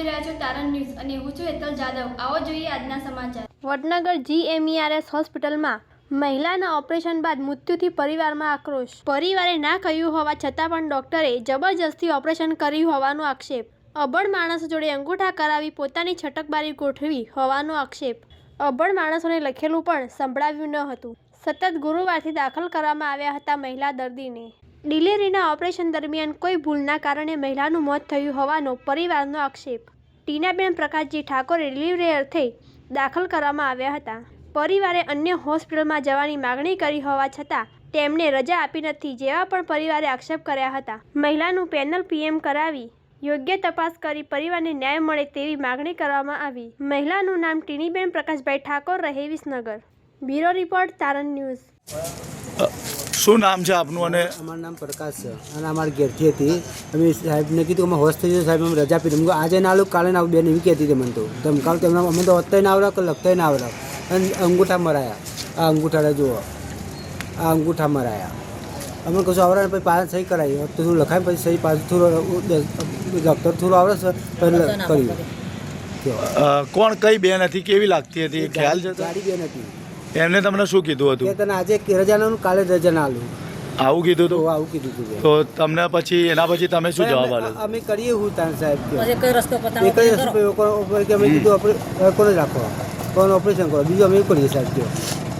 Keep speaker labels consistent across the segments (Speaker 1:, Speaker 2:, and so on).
Speaker 1: જોઈ રહ્યા છો તારણ ન્યૂઝ અને હું છું હેતલ જાદવ। આવો જોઈએ આજના સમાચાર।
Speaker 2: વડનગર GMERS હોસ્પિટલમાં મહિલાના ઓપરેશન બાદ મૃત્યુથી પરિવારમાં આક્રોશ। પરિવારે ના કહ્યું હોવા છતાં પણ ડોક્ટરે જબરજસ્તી ઓપરેશન કર્યું હોવાનો આક્ષેપ। અભણ માણસો જોડે અંગૂઠા કરાવી પોતાની છટકબારી ગોઠવી હોવાનો આક્ષેપ। અભણ માણસોને લખેલું પણ સંભળાવ્યું ન હતું। સતત ગુરુવારથી દાખલ કરવામાં આવ્યા હતા મહિલા દર્દીને। ડિલિવરીના ઓપરેશન દરમિયાન કોઈ ભૂલના કારણે મહિલાનું મોત થયું હોવાનો પરિવારનો આક્ષેપ। ટીનાબેન પ્રકાશજી ઠાકોરે ડિલિવરી અર્થે દાખલ કરવામાં આવ્યા હતા। પરિવારે અન્ય હોસ્પિટલમાં જવાની માગણી કરી હોવા છતાં તેમને રજા આપી નથી જેવા પણ પરિવારે આક્ષેપ કર્યા હતા। મહિલાનું પેનલ PM કરાવી યોગ્ય તપાસ કરી પરિવારને ન્યાય મળે તેવી માગણી કરવામાં આવી। મહિલાનું નામ ટીનીબેન પ્રકાશભાઈ ઠાકોર રહે Visnagar. Bureau report Taran news.
Speaker 3: શું નામ છે આપનું? અને
Speaker 4: અમારું નામ પ્રકાશ છે અને અમારી ઘેરથી હતી। અમે સાહેબને કીધું કે અમે હોશ થઈ જાય સાહેબ અમે રજા આપી દઉં આજે ના આવું કાલે ના આવું બેન એવી કહેતી હતી મને તો ધમકાવ તો એમના અમે તો વધતાય ના આવડે કે લખતાય ના આવડે અને અંગૂઠા મરાયા। આ અંગૂઠા જુઓ આ અંગૂઠા મરાયા અમે કશું આવડે પછી પાછા સહી કરાવી તો થોડું લખાય પછી સહી પાછું થોડું ડૉક્ટર થોડું આવડે છે પછી કર્યું।
Speaker 3: કોણ કઈ બેન હતી? કેવી લાગતી હતી? ખ્યાલ છે?
Speaker 4: ગાડી બેન હતી।
Speaker 3: એમને તમને શું કીધું હતું?
Speaker 4: કે તને આજે રજા ના કાલે રજા ના આલું
Speaker 3: આવું કીધું હતું?
Speaker 4: આવું કીધું હતું।
Speaker 3: તો તમને પછી એના પછી તમે શું જવાબ આપ્યો?
Speaker 4: અમે કરીએ હું તાન સાહેબ
Speaker 5: એક જ રસ્તો
Speaker 4: એક જ રસ્તો કે અમે કીધું કોને રાખો કોણ ઓપરેશન કરો બીજું અમે કરીએ સાહેબ કહો।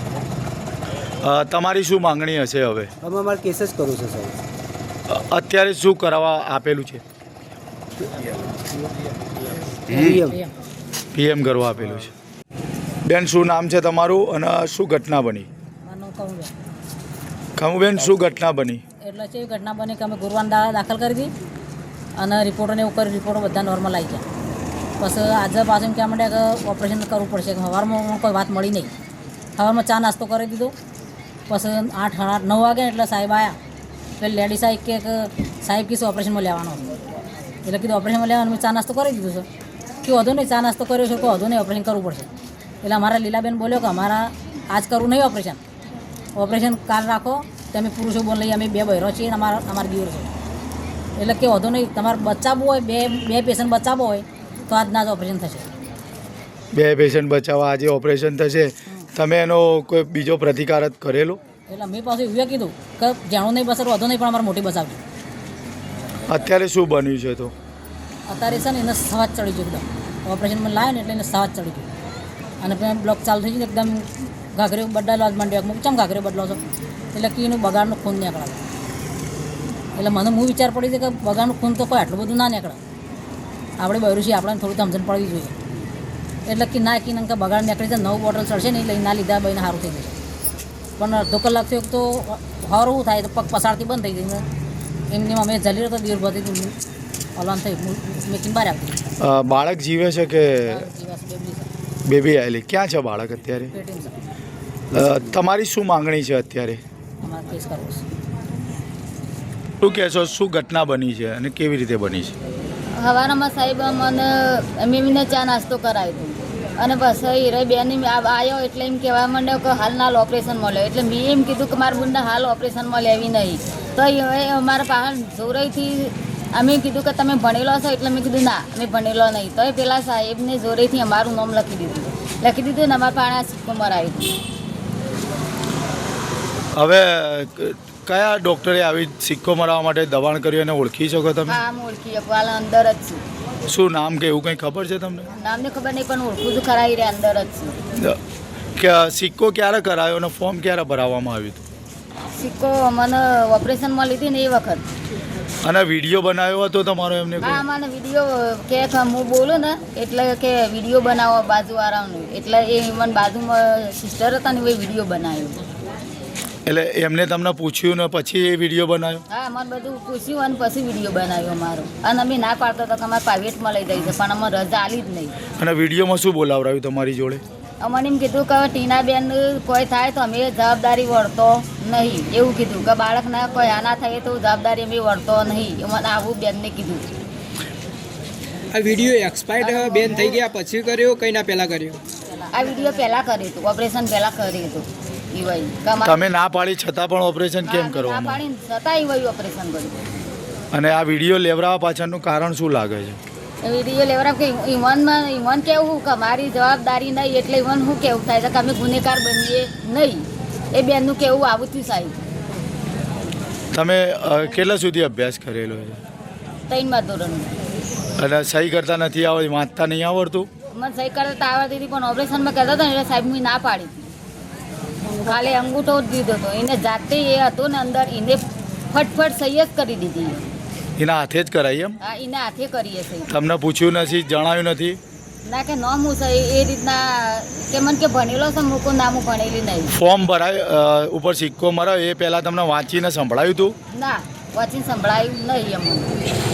Speaker 3: તમારી શું માંગણી હશે હવે?
Speaker 4: અમે અમારે કેસ જ કરવું છે સાહેબ।
Speaker 3: અત્યારે શું કરાવવા આપેલું છે? PM કરવા આપેલું છે। બેન શું નામ છે તમારું અને શું ઘટના બની? ખમુબેન શું ઘટના બની?
Speaker 5: એટલે છે ઘટના બની કે અમે ગુરુવાર દાખલ કરી હતી અને રિપોર્ટોને એવું કરી રિપોર્ટો બધા નોર્મલ આવી ગયા। પછી આજે પાછું એમ કહેવા માંડ્યા કે ઓપરેશન કરવું પડશે કે સવારમાં કોઈ વાત મળી નહીં। સવારમાં ચા નાસ્તો કરી દીધો પછી 8-9 વાગે એટલે સાહેબ આવ્યા પેલી લેડી સાહેબ કે સાહેબ કીધું ઓપરેશનમાં લેવાનો એટલે કીધું ઓપરેશનમાં લેવાનું મેં ચા નાસ્તો કરી દીધું છે કે વધુ નહીં ચા નાસ્તો કર્યો છે કોઈ વધુ નહીં ઓપરેશન કરવું પડશે। એટલે અમારા લીલાબેન બોલ્યો કે અમારા આજ કરવું નહીં ઓપરેશન કાલ રાખો તમે પુરુષો બોલ લઈએ અમે 2 બહેરો છીએ અને અમારા દીવર છે એટલે કે વધુ નહીં તમારે બચાવવું હોય બે પેશન્ટ બચાવવો હોય તો આજના જ ઓપરેશન થશે।
Speaker 3: 2 પેશન્ટ બચાવવા આજે ઓપરેશન થશે। તમે એનો કોઈ બીજો પ્રતિકાર કરેલો?
Speaker 5: એટલે મેં પાછું એવું કીધું કે જાણું નહીં બસર વધુ નહીં પણ અમારે મોટી બચાવજો।
Speaker 3: અત્યારે શું બન્યું છે? તો
Speaker 5: અત્યારે છે ને એને સવાજ ચડી ગયું એકદમ ઓપરેશનમાં લાવે ને એટલે એને સવાજ ચડી ગયું અને પછી બ્લોક ચાલુ થઈ ગયું એકદમ ઘાઘરે બદલાવા જ માંડ્યો ચમ ઘાઘરે બદલો છો એટલે કે એનું બગાડનું ખૂન નીકળે એટલે મને હું વિચાર પડી છે કે બગાડનું ખૂન તો કોઈ આટલું બધું ના નીકળે આપણે બહેરું છીએ આપણને થોડું સમજણ પડવી જોઈએ એટલે કે ના કે બગાડ નીકળી જાય 9 બોટલ ચડશે ને એટલે ના લીધા બહીને સારું થઈ જશે પણ અડધો કલાક થયો તો સારું થાય તો પગ પસારથી બંધ થઈ ગઈ એમની અમે જલી રહ્યો તો દીર બધી ઓલાન થઈ મેકીને બહાર આપી
Speaker 3: બાળક જીવે છે કે બેબી આવેલી? ક્યાં છે બાળક અત્યારે? તમારી શું માંગણી છે અત્યારે?
Speaker 5: અમારે કેસ કરવો છે।
Speaker 3: શું કહેશો? શું ઘટના બની છે અને કેવી રીતે બની છે?
Speaker 6: સવારમાં સાહેબ મને મેમીને ચા નાસ્તો કરાવ્યો અને બસ હીરે બેન આવ્યો એટલે એમ કહેવા માંડ્યો કે હાલ ઓપરેશન મળ્યો એટલે મેં એમ કીધું કે મારા બુનને હાલ ઓપરેશનમાં લેવી નહીં તો હવે અમારા પાસે જોરેથી અમે કીધું કે તમે ભણેલો છો એટલે મેં કીધું ના અમે ભણેલો નહીં તો પેલા સાહેબને જોરેથી અમારું નામ લખી દીધું ને અમારા પાસે સિક્કો મરાવી।
Speaker 3: હવે કયા ડૉક્ટરે આવી સિક્કો મરાવવા માટે દબાણ કર્યું અને ઓળખી શકો તમે?
Speaker 6: હા હું ઓળખી શકું હાલ અંદર જ છું।
Speaker 3: શું નામ કે એવું કંઈ ખબર છે તમને?
Speaker 6: નામને ખબર નહીં પણ ઓળખું તો ખરા રે અંદર જ છું।
Speaker 3: કે સિક્કો ક્યારે કરાયો અને ફોર્મ ક્યારે ભરાવવામાં આવ્યું હતું?
Speaker 6: સિક્કો મને ઓપરેશનમાં લીધી ને એ વખત
Speaker 3: અને વિડીયો બનાવ્યો હતો તમારો એમને?
Speaker 6: હા મને વિડીયો કે હું બોલું ને એટલે કે વિડીયો બનાવો બાજુવાળાનું એટલે એ મને બાજુમાં સિસ્ટર હતા ને એ વિડીયો બનાવ્યો
Speaker 3: એટલે એમને તમને પૂછ્યું ને પછી એ વિડીયો બનાવ્યો?
Speaker 6: હા મને બધું પૂછ્યું અને પછી વિડીયો બનાવ્યો મારો અને અમે ના પાડતો હતો કે અમારે પ્રાઇવેટમાં લઈ જાય છે પણ અમે રજા આલી જ નહીં।
Speaker 3: અને વિડીયોમાં શું બોલાવરાયું તમારી જોડે?
Speaker 6: અમને એમ કીધું કે ટીનાબેન કોઈ થાય તો અમે જવાબદારી વળતો નહીં એવું કીધું કે બાળકના કોઈ આના થાય તો જવાબદારી અમે વળતો નહીં મને આવું બેનને કીધું।
Speaker 7: આ વિડીયો એક્સપાયર્ડ બેન થઈ ગયા પછી કર્યો કઈ ના પહેલા કર્યો?
Speaker 6: આ વિડીયો પહેલાં કર્યું હતું ઓપરેશન પહેલાં કર્યું હતું એ વહી
Speaker 3: તમે ના પાડી છતાં પણ ઓપરેશન કેમ કરવામાં?
Speaker 6: પાડી છતાં એ વહી ઓપરેશન કર્યું
Speaker 3: અને આ વિડીયો લેવડાવવા પાછળનું કારણ શું લાગે છે?
Speaker 6: વિડીયો લેવરા કે ઈવન કેવું કે મારી જવાબદારી નહીં એટલે ઈવન શું કેવું થાય છે કે અમે ગુનેગાર બનીએ નહીં. એ બેનનું કેવું આવું થયું સાહેબ.
Speaker 3: તમે કેટલા સુધી અભ્યાસ કરેલો છે
Speaker 6: 3મા ધોરણમાં.
Speaker 3: અને સહી કરતા નથી આવડતી, વાંચતા નહીં આવડતું?
Speaker 6: મને સહી કરતા આવડતી હતી પણ ઓપરેશનમાં કહેતા હતા ને એટલે સાહેબ મેં ના પાડી હતી. ખાલી અંગૂઠો જ દીધો હતો એને જાતે એ હતો ને અંદર એને ફટફટ સહી જ કરી દીધી.
Speaker 3: એના હાથે જ કરાઈ એમ?
Speaker 6: હા એને હાથે કરીએ સહી.
Speaker 3: તમને પૂછ્યું નથી, જણાવ્યું નથી?
Speaker 6: ના કે ન હું સહી એ રીતના કે મને કે ભણેલો છે મૂકો ના હું ભણેલી નહીં.
Speaker 3: ફોર્મ ભરાય ઉપર સિક્કો મરાયો એ પહેલાં તમને વાંચીને સંભળાયું હતું?
Speaker 6: ના વાંચીને સંભળાયું નહીં અમને.